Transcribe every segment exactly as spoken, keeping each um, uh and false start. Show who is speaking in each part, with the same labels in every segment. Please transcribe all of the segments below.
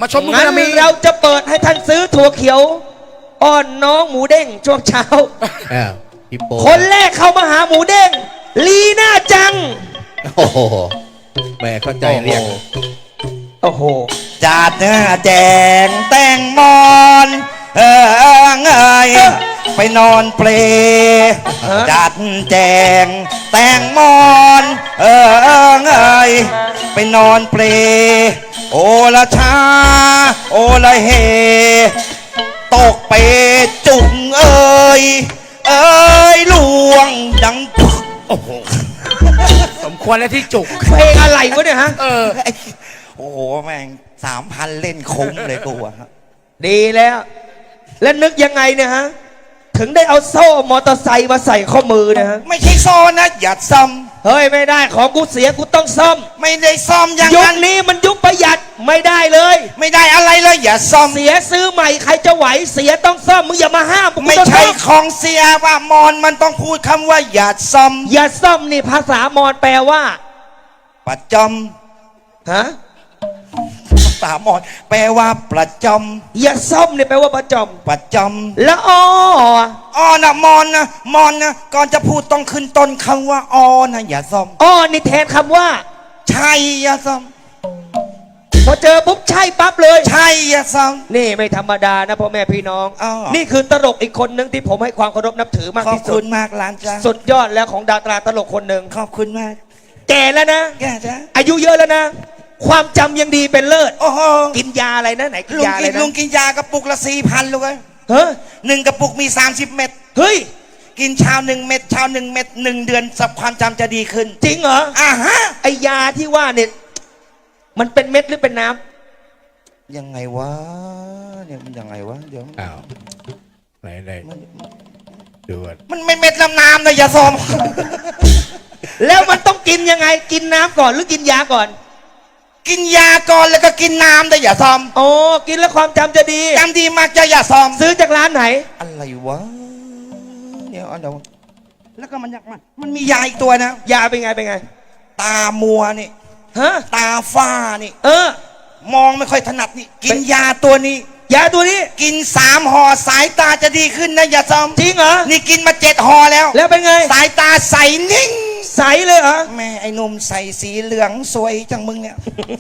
Speaker 1: มาชมลูก
Speaker 2: งั้น
Speaker 1: นามี
Speaker 2: เราจะเปิดให้ท่านซื้อถั่วเขียวอ้อนน้องหมูเด้งช่วงเช้า
Speaker 3: อ้าวพี่โป้
Speaker 2: คนแรกเข้ามาหาหมูเด้งลีน่าจัง
Speaker 3: โอ้โหแม่เข้าใจเรียก
Speaker 2: โอ้โห
Speaker 4: จัดเนื้อแจงแต่งมอนเออเอยไปนอนเปล
Speaker 2: ฮะ
Speaker 4: จัดแจงแต่งมอนเออเอยไปนอนเปลโอละชาโอละเฮตกเปจุงเอ้ยเอ้ยลวงดังปึ๊ก
Speaker 1: โอ้โหสมควรแล้วที่จุก
Speaker 2: เพลงอะไรวะเนี่ยฮะ
Speaker 1: เออ
Speaker 4: โอ้โหแม่งสามพันเล่นคุ้มเลยกูอะฮะ
Speaker 2: ดีแล้ว และนึกยังไงเนี่ยฮะ ถึงได้เอาโซ่มอเตอร์ไซค์มาใส่ข้อมือเนะฮะ
Speaker 4: ไม่ใช่ซ่อนนะอย่าซ่อม
Speaker 2: เฮ้ยไม่ได้ของกูเสียกูต้องซ่อม
Speaker 4: ไม่ได้ซ่อมอย่าง
Speaker 2: ยุค
Speaker 4: นั้น
Speaker 2: นี้มันยุคประหยัดไม่ได้เลย
Speaker 4: ไม่ได้อะไรเลยอย่าซ่อม
Speaker 2: เสียซื้อใหม่ใครจะไหวเสียต้องซ่อมมึงอย่ามาห้ามกู
Speaker 4: ไม่
Speaker 2: ต้อง
Speaker 4: ใช่
Speaker 2: ซ่อม
Speaker 4: ของเสียว่ามอนมันต้องพูดคำว่าอย่าซ่อม
Speaker 2: อย่าซ่อมนี่ภาษามอญแปลว่า
Speaker 4: ประจ
Speaker 2: ฮะ
Speaker 4: ำภาษามอนแปลว่าประจ
Speaker 2: อย่าซ่อมนี่แปลว่าประจอม
Speaker 4: ำประจ
Speaker 2: แล้วอ้อ
Speaker 4: ำอ้อนะมอนนะมอนนะก่อนจะพูดต้องขึ้นต้นคำว่าอ้อนะอย่าซ่อม
Speaker 2: อ้อนี่แทนคำว่า
Speaker 4: ใช่อย่าซ่อม
Speaker 2: พอเจอปุ๊บใช่ปั๊บเลย
Speaker 4: ใช่อย่าซ่อม
Speaker 2: นี่ไม่ธรรมดานะพ่อแม่พี่น้อง
Speaker 4: อ้าว
Speaker 2: นี่คือตลกอีกคนหนึ่งที่ผมให้ความเคารพนับถือมาก
Speaker 4: ขอบ
Speaker 2: ที่สุ
Speaker 4: คุ
Speaker 2: ด
Speaker 4: ณมากหลานจ้า
Speaker 2: สุดยอดแล้วของดาราตลกคนหนึ่ง
Speaker 4: ขอบคุณมาก
Speaker 2: แก่แล้วนะ
Speaker 4: แกจ้า
Speaker 2: อายุเยอะแล้วนะ ความจำยังดีเป็นเลิศ
Speaker 4: โอ้โห
Speaker 2: กินยาอะไรนะไหนกิน
Speaker 4: ลุง
Speaker 2: ยาอะ
Speaker 4: กิ
Speaker 2: ไร
Speaker 4: น
Speaker 2: นะ
Speaker 4: ลุงกินยากระปุกละสี่พันลูกเอ้ย
Speaker 2: เฮ้ย
Speaker 4: หนึ่งกระปุกมีสามสิบเม็ด
Speaker 2: เฮ้ย
Speaker 4: กินเช้าหนึ่งเม็ดเช้าหนึ่งเม็ดหนึ่งเดือนสับความจำจะดีขึ้น
Speaker 2: จริงเหรอ
Speaker 4: อ่าฮะ
Speaker 2: ไอยาที่ว่าเนี่ยมันเป็นเม็ดหรือเป็นน้ำ
Speaker 4: ยังไงวะเนี่ยมันยังไงวะเดี๋ยว
Speaker 3: อ้าวไหนไหน
Speaker 4: มัน
Speaker 3: ดูก่อน
Speaker 4: มันไม่เม็ดน้ำน้ำนะอย่าซอม
Speaker 2: แล้วมันต้องกินยังไงกินน้ำก่อนหรือกินยาก่อน
Speaker 4: กินยาก่อนแล้วก็กินน้ำแต่อย่าซอม
Speaker 2: อ๋อกินแล้วความจำจะดี
Speaker 4: จำดีมากจะอย่าซอม
Speaker 2: ซื้อจากร้านไหน
Speaker 4: อะไรวะเดี๋ยวเอาเดี๋ยวแล้วก็มันอยากมันมันมียาอีกตัวนะ
Speaker 2: ยาเป็นไงเป็นไง
Speaker 4: ตามัวนี่
Speaker 2: ฮะ
Speaker 4: ตาฝ้านี่
Speaker 2: เออ
Speaker 4: มองไม่ค่อยถนัดนี่กินยาตัวนี้
Speaker 2: ยาตัวนี้
Speaker 4: กินสามห่อสายตาจะดีขึ้นนะอย่าซอม
Speaker 2: จริงเหรอ
Speaker 4: นี่กินมาเจ็ดห่อแล้ว
Speaker 2: แล้วเป็นไง
Speaker 4: สายตาใสนิ่ง
Speaker 2: ใสเลยเหรอ
Speaker 4: แม่ไอ้หนุ่มใส่สีเหลืองสวยจังมึงเนี่ย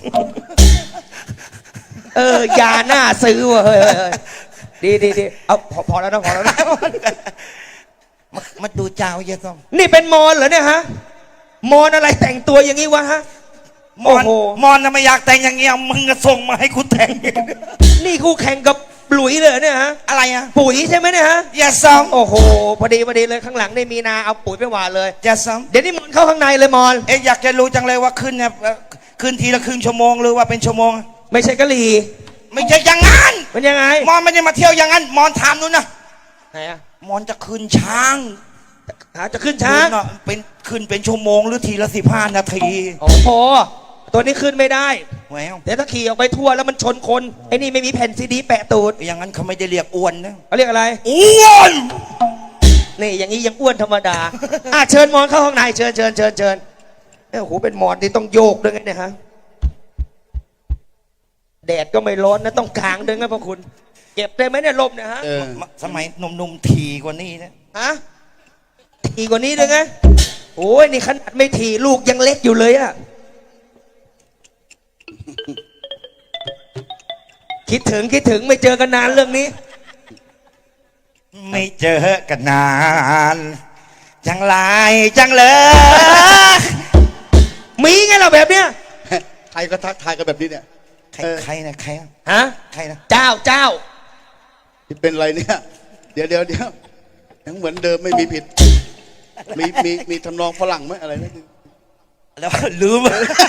Speaker 2: เออยาหน้าซื้อว่ะเฮ้ยเฮ้ยเฮ้ยดีดีดีเอาพอพอแล้วนะพอแล้วนะ
Speaker 4: มามาดูเจ้าเยอะส้ม
Speaker 2: นี่เป็นมอนเหรอเนี่ยฮะมอนอะไรแต่งตัวอย่างนี้วะฮะ
Speaker 4: มอน
Speaker 2: โอ้โห
Speaker 4: มอนน่ะไม่อยากแต่งอย่างเงี้ยมึงก็ส่งมาให้กูแต่ง
Speaker 2: นี่คู่แข่งกับหลุยเลยเหรอเนี่ยฮะ
Speaker 4: อะไรอ่ะ
Speaker 2: ปุ๋ยใช่ไหมเนี่ยฮะ
Speaker 4: อย่าซ้อม
Speaker 2: โอ้โหพอดีพอดีเลยข้างหลังได้มีนาเอาปุ๋ยไปหว่านเลย
Speaker 4: อย่าซ้อม
Speaker 2: เดี๋ยวนี้มอนเข้าข้างในเลยมอน
Speaker 4: เอ๊ะอยากจะรู้จังเลยว่าขึ้นเนี่ยเอ่อขึ้นทีละครึ่งชั่วโมงหรือว่าเป็นชั่วโมง
Speaker 2: ไม่ใช่กะหรี่
Speaker 4: ไม่ใช่อย่างนั้น
Speaker 2: มันยังไง
Speaker 4: มอนไม่ได้มาเที่ยวอย่างนั้นมอนถามนู้นนะ
Speaker 2: ไหนอะ
Speaker 4: มอนจะขึ้นช้าง
Speaker 2: หาจะขึ้นช้าง
Speaker 4: ขึ้นน่ะเป็นขึ้นเป็นชั่วโมงหรือทีละสิบห้านาที
Speaker 2: โอ้โหตัวนี้ขึ้นไม่ได้
Speaker 4: แหวว
Speaker 2: เดี๋ยวถ้าขี่ออกไปทั่วแล้วมันชนคนไอ้นี่ไม่มีแผ่นซีดีแปะตูด
Speaker 4: อย่างนั้นเขาไม่ได้เรียกอ้วนนะ
Speaker 2: เขาเรียกอะไร
Speaker 4: อ้วน
Speaker 2: นี่อย่างนี้ยังอ้วนธรรมดา อ่ะเชิญมอนเข้าห้องในเชิญเชิญเชิญเชิญเอ้ยโอ้โหเป็นมอนที่ต้องโยกด้วยไงเนี่ยฮะแดดก็ไม่ร้อนนะต้องกางด้วยไงพวกคุณ เก็บได้ไหมเนี่ยลมเนี่ยฮะ
Speaker 3: เออ
Speaker 4: สมัยหนุ่มๆทีกว่านี้นะ
Speaker 2: ฮะทีกว่านี้ด้วยไงโอ้ยนี่ขนาดไม่ทีลูกยังเล็กอยู่เลยอะคิดถึงคิดถึงไม่เจอกันนานเรื่องนี้
Speaker 4: ไม่เจอกันนานจังไรจังเลย
Speaker 2: มีไงเราแบบเนี้ย
Speaker 3: ใครก็ทักทายกันแบบนี้เนี่ย
Speaker 4: ใครใครนะใครอะ
Speaker 2: ฮะ
Speaker 4: ใครนะ
Speaker 2: เจ้าเจ้า
Speaker 3: ที่เป็นอะไรเนี่ย เดี๋ยวเดี๋ยวเดี๋ยวยังเหมือนเดิมไม่มีผิด มีมีมีทำนองฝรั่งไหมอะไรนะ
Speaker 4: แล้วลืม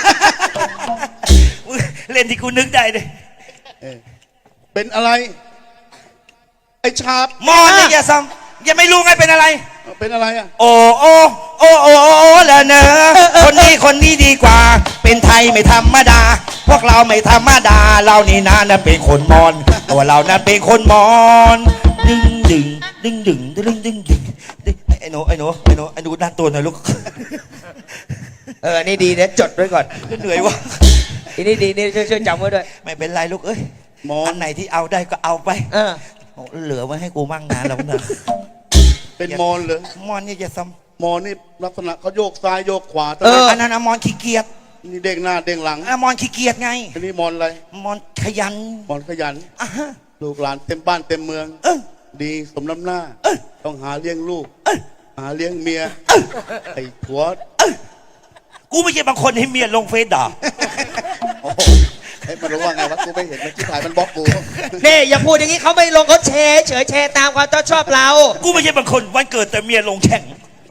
Speaker 4: เล่นที่กูนึกได้เลย
Speaker 3: เออเป็นอะไร ไอ้ชาบ
Speaker 4: มอนเนี่ยอย่าซ้ำอย่าไม่รู้ไงเป็นอะไร
Speaker 3: เป็นอะไรอ่ะ
Speaker 4: โอ้โอ้โอ้โอ้โอ้ละเนอะคนนี้คนนี้ดีกว่า เป็นไทยไม่ธรรมดา พวกเราไม่ธรรมดา เรานี่นะนั่นเป็นคนมอนตัวเรานั้นเป็นคนมอนดึงดึงดึงดึงดึงดึงดึงดึงไอ้หนูไอ้หนูไอ้หนูไอ้หนูด้านตัวหน่อยลูก
Speaker 2: เออนี่ดีเดี๋ยวจดไว้ก่อน
Speaker 4: เหนื่อยวะ
Speaker 2: อันนี้ดีนี่ช่วยช่วยจำไว้ด้วย
Speaker 4: ไม่เป็นไรลูกเอ้ย
Speaker 3: มอ
Speaker 4: อั
Speaker 3: น
Speaker 4: นไหนที่เอาได้ก็เอาไป
Speaker 2: เออ
Speaker 4: โอ้เหลือไว้ให้กูมั่งนะแล้วนะ
Speaker 3: เป็นมอนเหรอ
Speaker 4: มอนนี่จะซ้
Speaker 3: มอนนี่ลักษณะเขาโยกซ้ายโยกขวา
Speaker 4: ำ
Speaker 3: ตั้ง
Speaker 4: เอ
Speaker 3: แต่
Speaker 4: ออันนั้นอะมอนขี้เกียจ
Speaker 3: นี่เด้งหน้าเด้งหลัง
Speaker 4: อะมอนขี้เกียจไง
Speaker 3: อันนี้มอนอะไร
Speaker 4: มอนขยัน
Speaker 3: มอนขยัน
Speaker 4: อ่ะฮะ
Speaker 3: ลูกหลานเต็มบ้านเต็มเมือง
Speaker 4: เออ
Speaker 3: ดีสมน้ำหน้า
Speaker 4: เออ
Speaker 3: ต้องหาเลี้ยงลูก
Speaker 4: เออ
Speaker 3: หาเลี้ยงเมียไอ้ผัว
Speaker 4: กูไม่ใช่บางคนให้เมียลงเฟซด่า
Speaker 3: โอ้โหไอ้ยมันรู้ว่าไงวะกูไม่เห็นมันที่ถ่ายมันบล็อกกู
Speaker 2: นี่อย่าพูดอย่างนี้เขาไม่ลงเขาแชร์เฉยแชร์ตามความชอบเรา
Speaker 4: กูไม่ใช่บางคนวันเกิดแต่เมียลงแข่ง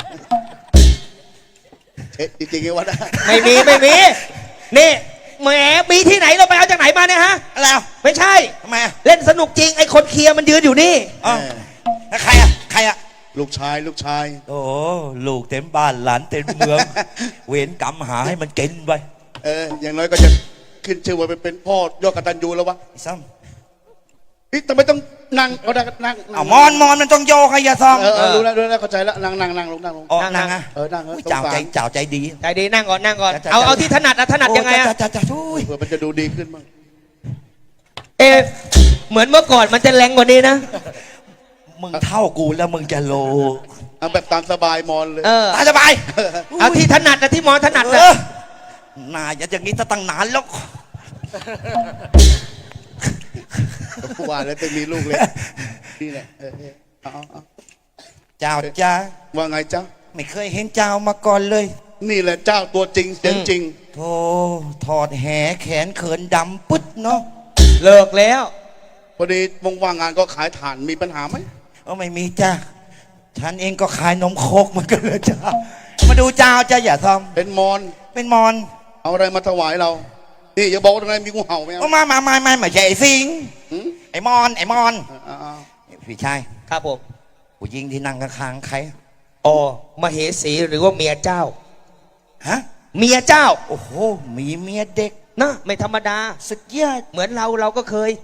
Speaker 3: เอ๊ะจริงๆไงวะนะ
Speaker 2: ไม่มีไม่มี นี่แหมมีที่ไหนเราไปเอาจากไหนมาเนี่ยฮะ
Speaker 4: อะไรอ่ะ
Speaker 2: ไม่ใช่
Speaker 4: ทำไมอ่ะ
Speaker 2: เล่นสนุกจริงไอ้คนเคลียร์มันยืนอยู่นี่
Speaker 4: อ๋อแล้วใครอ่ะใครอ่ะ
Speaker 3: ลูกชายลูกชาย
Speaker 4: โอ้ลูกเต็มบ้านหลานเต็มเมือง เวรกรรมหาให้มันกินไป
Speaker 3: เอออย่างน้อยก็จะขึ้นชื่อว่าเป็นเป็นพ่อยอดกตัญญูแล้ววะ
Speaker 4: ไอ้ซ้
Speaker 3: นี่ทำไมต้องนั่งเอาได้นั่ง
Speaker 4: ำเอามอนมอนมันต้องโยกให้อยาซ้อม
Speaker 3: เออเออรู้แล้วรู้แล้วเข้าใจแล้วนั่งนั่งนั่งลงนั่งลง
Speaker 4: อ๋อ
Speaker 2: นั่
Speaker 4: นั่
Speaker 2: ง
Speaker 4: งอ่ะ
Speaker 3: เออนั่งเออ
Speaker 4: อุ้ย
Speaker 3: สง
Speaker 4: เจ้า
Speaker 3: สาร
Speaker 4: ใจเจ้าใจดี
Speaker 2: ใจดีนั่งก่อนนั่งก่อน
Speaker 4: จ้ะจ้ะ
Speaker 2: เอา
Speaker 4: จ้ะ
Speaker 2: เอาที่ถนัดอะถนัดยังไงอะ
Speaker 4: โจ้าจ้าช่วย
Speaker 3: เผื่อมันจะดูดีขึ้นบ้าง
Speaker 2: เอะเหมือนเมื่อก่อนมันจะแรงกว่านี้นะ
Speaker 4: มึงเท่ากูแล้วมึงจะโล
Speaker 3: เอาแบบตามสบายมอนเลย
Speaker 2: เออ
Speaker 4: ตายสบาย
Speaker 2: เอาที่ถนัดอะที่หมอถนัด
Speaker 4: เอ
Speaker 2: อะ
Speaker 4: อน่าจะอย่างนี้จะตั้งนานแล้ว
Speaker 3: กูว่าแล้วจะมีลูกเลยนี่แหละเออเออเอาเอาเอา
Speaker 4: เจ้าจ้า
Speaker 3: ว่าไงจ๊ะ
Speaker 4: ไม่เคยเห็นเจ้ามาก่อนเลย
Speaker 3: นี่แหละเจ้าตัวจริงเสียงจริง
Speaker 4: โธ่ถอดแหแขนเขินดำปึ๊ดเนาะ
Speaker 2: เลิกแล้ว
Speaker 3: พอดีวงว่างงานก็ขายถ่านมีปัญหาไหม
Speaker 4: เออไม่มีจ้าฉันเองก็ขายนมโคกเหมือนกันเลยจ้ามาดูเจ้าจ้าอย่าท
Speaker 3: เป็นมอน
Speaker 4: ำเป็นมอน
Speaker 3: เอาอะไรมาถวายเรา นี่อย่าบอกว่าตรงไหนมีงูเห่าไหม
Speaker 4: โอ้มามามามาไม่ใช่ไอ้สิง
Speaker 3: หืม
Speaker 4: ไอ้มอนไอ้มอน
Speaker 3: เอาเอา
Speaker 4: พี่ชาย
Speaker 2: ครับผม
Speaker 4: ผู้หญิงที่นั่งข้างๆใคร
Speaker 2: อ๋อมเหสีหรือว่าเมียเจ้า
Speaker 4: ฮะ
Speaker 2: เมียเจ้า
Speaker 4: โอ้โหมีเมียเด็ก
Speaker 2: นะไม่ธรรมดา
Speaker 4: สุดยอด
Speaker 2: เหมือนเราเราก็เคย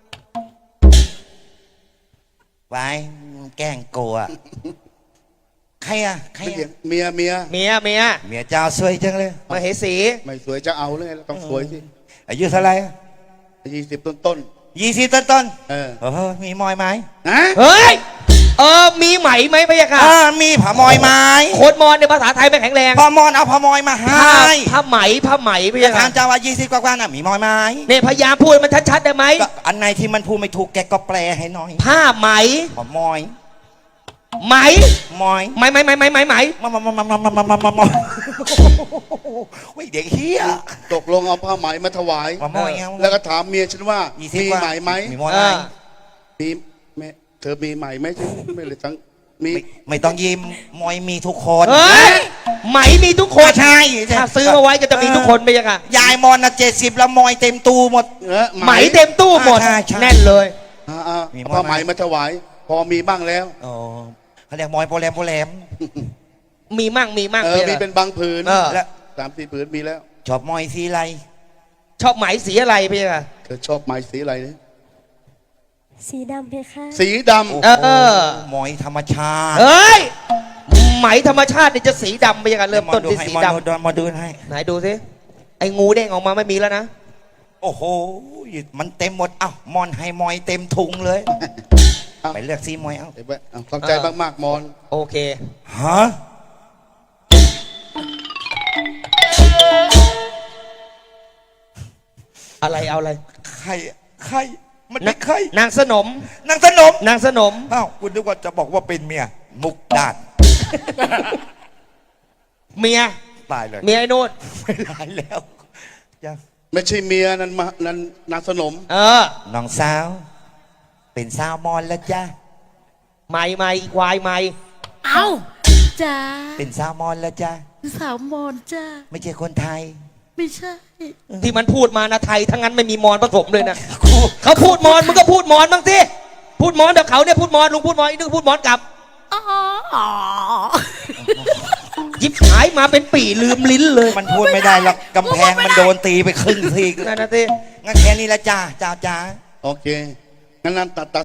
Speaker 4: ไว้แกล้งโกลัวใครอะใคร
Speaker 3: ไม่
Speaker 4: อะ
Speaker 3: เถียงเมียเมีย
Speaker 2: เมียเมีย
Speaker 4: เมียเจ้าสวยจังเลย
Speaker 2: มเหสี
Speaker 3: ไม่สวยจะเอาเลยต้องสวยสิ
Speaker 4: อายุเท่าไหร่
Speaker 3: ยี่สิบต้นต้น
Speaker 4: ยี่สิบต้นต้น
Speaker 3: ๆเออ
Speaker 4: ๆเออมีมอยไหม
Speaker 3: ฮะ
Speaker 2: เฮ้ยเออมีไหมไหมพะยะค่ะ
Speaker 4: อ่ามีผ้ามอยไหม
Speaker 2: โคดมอนในภาษาไทยไม่แข็งแรง
Speaker 4: พอมอนเอาผ้ามอยมาให้
Speaker 2: ผ้าผ้าไหมผ้าไหมพะ
Speaker 4: จะ
Speaker 2: ยะ
Speaker 4: ถา
Speaker 2: ค่ะ
Speaker 4: มเจ้าว่ายี่สิบกว่าๆน่ะมีมอยไหม
Speaker 2: เนี่ยพยายามพูดมันชัดๆได้ไหม
Speaker 4: ก็อันไหนที่มันพูดไม่ถูกแกก็แปลให้หน่อย
Speaker 2: ผ้าไหม
Speaker 4: ผ้ามอย
Speaker 2: ไหม
Speaker 4: มอย
Speaker 2: ไหมไหมไหมไหมไหมไหม
Speaker 4: มามามามามามามามามาโอ้ยเด็กเฮีย
Speaker 3: ตกลงเอาผ้าไหมมาถวาย
Speaker 4: ผ้ามอยเอา
Speaker 3: แล้วก็ถามเมียฉันว่า
Speaker 4: ยี่สิบ
Speaker 3: มี
Speaker 4: กว่า
Speaker 3: ไหมไหม
Speaker 4: มีมอย
Speaker 2: เอ
Speaker 4: ไหม
Speaker 2: อ
Speaker 3: มีแม่เธอมีไหมไหมฉันไม่เลยทั้งมี
Speaker 4: ไม่ไม่ต้องยิ้มมอยมีทุกคน
Speaker 2: เฮ้ยไหมมีทุกคน
Speaker 4: ใช่
Speaker 2: ถ้าซื้อมาไว้ก็จะมีทุกคนพะยะค่ะ
Speaker 4: ยายมอนนะเจ็ดสิบแล้วมอยเต็มตู้หมด
Speaker 3: เออ
Speaker 2: ไหมเต็มตู้หมด
Speaker 4: ใช่ใช่
Speaker 2: แน่นเลย
Speaker 3: อ่าอ่า
Speaker 4: มี
Speaker 3: เอา
Speaker 4: มอยไหม
Speaker 3: ผ้าไหมมาถวาย พอมีบ้างแล้ว
Speaker 4: อ๋อเขาเรียกมอยโปรแรมโปรแรม
Speaker 2: มีมั่งมีมั่ง
Speaker 3: เออ
Speaker 2: พะยะ
Speaker 3: มี
Speaker 2: ค่ะ
Speaker 3: เป็นบางผืน
Speaker 2: เออ
Speaker 4: แล้ว
Speaker 3: สามสี่ผืนมีแล้ว
Speaker 4: ชอบมอยสีอะไร
Speaker 2: ชอบไหมสีอะไรพะยะค่ะ
Speaker 3: เธอชอบไหมสีอะไรเนี่ย
Speaker 5: สีดำเพคะ
Speaker 3: สีดำ
Speaker 2: เออ
Speaker 4: มอยธรรมชาติ
Speaker 2: เฮ้ยไหมธรรมชาตินี่จะสีดำพะยะค่ะเริ่มต้นที่สี
Speaker 4: มอ
Speaker 2: ด
Speaker 4: ดูมาดูให้
Speaker 2: ำไหนดูสิไอ้งูเด้งออกมาไม่มีแล้วนะ
Speaker 4: โอ้โหมันเต็มหมดเอ้ามอนให้มอยเต็มถุงเลย
Speaker 3: เอา
Speaker 4: ไปเลือกซีมอยเอ้า
Speaker 3: เดี๋ยวไปเอาขอบใจมากๆมอน
Speaker 2: โอเค
Speaker 4: ฮะ
Speaker 2: อะไรเอาอะไร
Speaker 4: ใครใครมันเป็นใคร
Speaker 2: นางสนม
Speaker 4: นางสนม
Speaker 2: นางสนม
Speaker 4: อ้าวคุณนึกว่าจะบอกว่าเป็นเมียมุกดาด
Speaker 2: เมีย
Speaker 4: ตายเลย
Speaker 2: เมียไอ้นู่น
Speaker 4: ไม่ได้แล้วยัง
Speaker 3: ไม่ใช่เมียนั่นมานั่นนางสนม
Speaker 2: เออ
Speaker 4: น้องสาว เป็นสาวมอนแล้วจ้า
Speaker 2: ไม่ไม่อีควายไม่
Speaker 5: เอ้าจ้า
Speaker 4: เป็นสาวมอนแล้วจ้า
Speaker 5: สาวมอนจ้า
Speaker 4: ไม่ใช่คนไทย
Speaker 5: ไม่ใช่
Speaker 2: ที่มันพูดมานะไทยทั้งนั้นไม่มีมอนผสมเลยนะเขาพูดมอนมึงก็พูดมอนบ้างสิพูดมอนเดี๋ยวเขาเนี่ยพูดมอนลุงพูดมอนอีกนึงพูดมอนกลับ
Speaker 5: อ๋ออ๋อ
Speaker 2: ยิบหายมาเป็นปี่ลืมลิ้นเลย
Speaker 4: มันพูดไม่ได้หรอกกำแพงมันโดนตีไปครึ่งที
Speaker 2: นั่นนะสิ
Speaker 4: งั้นแค่นี้ละจ้าจ้าจ้า
Speaker 3: โอเค งั้นนั่นตัดตัด